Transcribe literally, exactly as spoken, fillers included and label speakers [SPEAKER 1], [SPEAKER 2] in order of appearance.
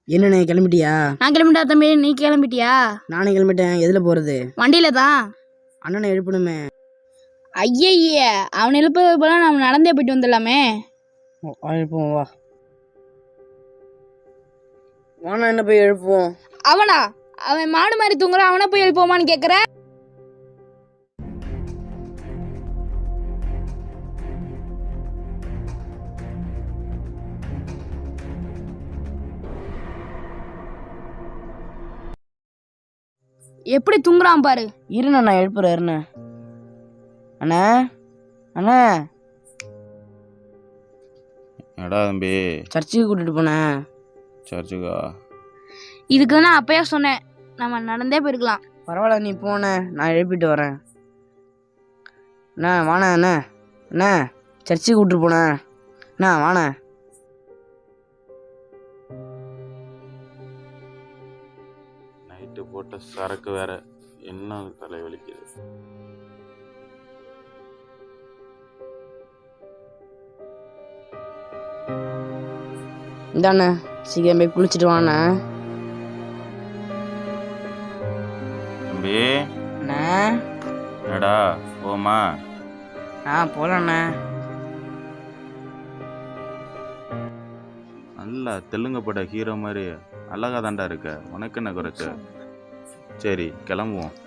[SPEAKER 1] என்னண்ணே கிளம்பிட்டியா?
[SPEAKER 2] நான் கிளம்பிட்டா தம்பி, நீ கிளம்பிட்டியா?
[SPEAKER 1] நானும் கிளம்பிட்டேன். எதுல போறது?
[SPEAKER 2] வண்டியில தான்.
[SPEAKER 1] அண்ணனை எழுப்பணுமே.
[SPEAKER 2] ஐயய்ய, அவன் எழுப்பது போல நம்ம நடந்தே போயிட்டு வந்துடலாமே.
[SPEAKER 1] எழுப்புவோம் வா. வானா என்ன போய் எழுப்புவோம்.
[SPEAKER 2] அவனா? அவன் மாடு மாதிரி தூங்குறான், அவனை போய் எழுப்போமான்னு கேக்குற? எப்படி தூங்குறான் பாரு.
[SPEAKER 1] இருண்ணா நான் எழுப்புறேன். இருண்ண அண்ணா அண்ணா.
[SPEAKER 3] என்னடா தம்பி?
[SPEAKER 1] சர்ச்சுக்கு கூட்டிட்டு போனேன்.
[SPEAKER 3] சர்ச்சுக்கா?
[SPEAKER 2] இதுக்கு தான் அப்பயே சொன்னேன், நம்ம நடந்தே போயிருக்கலாம்.
[SPEAKER 1] பரவாயில்ல நீ போன, நான் எழுப்பிட்டு வரேன். அண்ணா வாண்ணா. அண்ணா அண்ணா சர்ச்சுக்கு கூட்டிட்டு போனேன். அண்ணா வாண்ணா.
[SPEAKER 3] நைட்டு போட்ட சரக்கு வேற, என்ன தலைவலிக்குது.
[SPEAKER 1] இந்தாண்ணே சீக்கிரம் போய் குளிச்சுட்டு வாண்ணா.
[SPEAKER 3] தம்பி
[SPEAKER 1] அண்ணா.
[SPEAKER 3] என்னடா போமா?
[SPEAKER 1] ஆ போலாண்ணா.
[SPEAKER 3] நல்லா தெலுங்கு பட ஹீரோ மாதிரி அழகா தாண்டா இருக்க. உனக்கு என்ன குறைச்ச? சரி கிளம்புவோம்.